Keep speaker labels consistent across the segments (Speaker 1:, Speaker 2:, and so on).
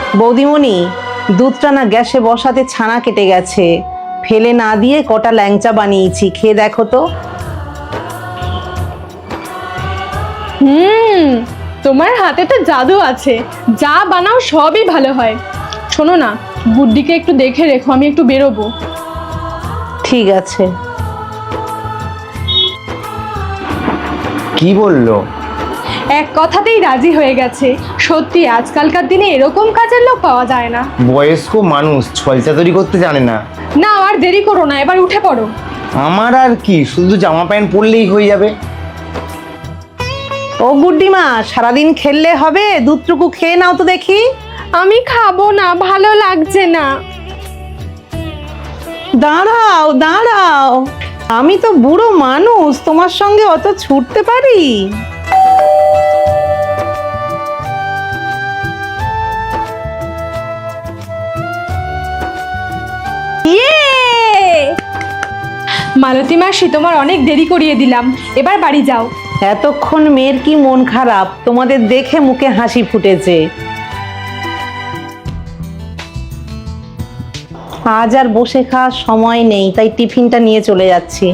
Speaker 1: বৌদিমণি, দুধটা না গ্যাসে বসাতে ছানা কেটে গেছে, ফেলে না দিয়ে কটা ল্যাংচা বানিয়েছি, খেয়ে দেখো তো।
Speaker 2: তোমার হাতে তো জাদু আছে, যা বানাও সবই ভালো হয়। শোনো না, গুড্ডিকে একটু দেখে রেখো, আমি একটু বেরোবো।
Speaker 1: ঠিক আছে।
Speaker 3: কি বললো?
Speaker 2: এক কথাতেই রাজি হয়ে গেছে। সত্যি আজকালকার দিনে এরকম কাজের লোক পাওয়া যায় না।
Speaker 3: বয়স্ক মানুষ ছলচা তৈরি করতে জানে না।
Speaker 2: না, আর দেরি করো না, এবার উঠে পড়ো।
Speaker 3: আমার আর কি, শুধু জামা প্যান্ট পরলেই হয়ে যাবে।
Speaker 1: ও গুড্ডিমা, সারাদিন খেললে হবে? দুধটুকু খেয়ে নাও তো দেখি।
Speaker 2: আমি খাবো না, ভালো লাগছে না।
Speaker 1: দাঁড়াও দাঁড়াও, আমি তো বুড়ো মানুষ, তোমার সঙ্গে অত ছুটতে পারি?
Speaker 2: মালতী মাসি, তোমার অনেক দেরি করিয়ে দিলাম, এবার বাড়ি যাও।
Speaker 1: এতক্ষণ মেয়ের কি মন খারাপ, তোমাদের দেখে মুখে হাসি ফুটেছে। আজ আর বসে খাওয়ার সময় নেই, তাই টিফিনটা নিয়ে চলে যাচ্ছি।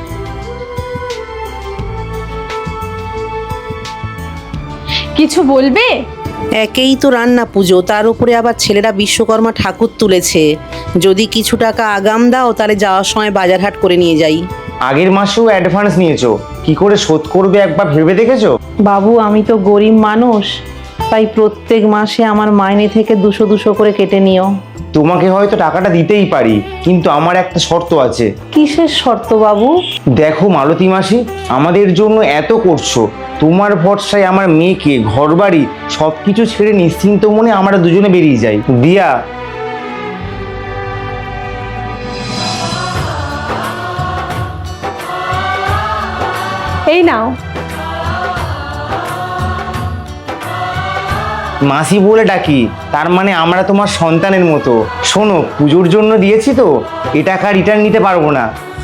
Speaker 2: কিছু বলবে?
Speaker 1: একেই তো রান্না পুজো, তার উপরে আবার ছেলেরা বিশ্বকর্মা ঠাকুর তুলেছে। যদি কিছু টাকা আগাম দাও, তাহলে যাওয়ার সময় বাজার হাট করে নিয়ে যাই।
Speaker 3: আগের মাসেও অ্যাডভান্স নিয়েছো, কি করে শোধ করবে একবার ভেবে দেখেছো?
Speaker 1: বাবু, আমি তো গরিব মানুষ, তাই প্রত্যেক মাসে আমার মাইনে থেকে 200 করে কেটে নিও।
Speaker 3: তোমাকে হয়তো টাকাটা দিতেই পারি, কিন্তু আমার একটা শর্ত আছে।
Speaker 1: কিসের শর্ত বাবু?
Speaker 3: দেখো মালতী মাসি, আমাদের জন্য এত করছো, তোমার ভরসায় আমার মেয়েকে, ঘরবাড়ি সবকিছু ছেড়ে নিশ্চিন্ত মনে আমরা দুজনে বেরিয়ে যাই। দিয়া,
Speaker 2: এই নাও।
Speaker 3: মাসি বলে ডাকি, তার মানে আমরা তোমার সন্তানের মতো। শোনো, পুজোর জন্য দিয়েছি তো, এ টাকা রিটার্ন নিতে পারবো না,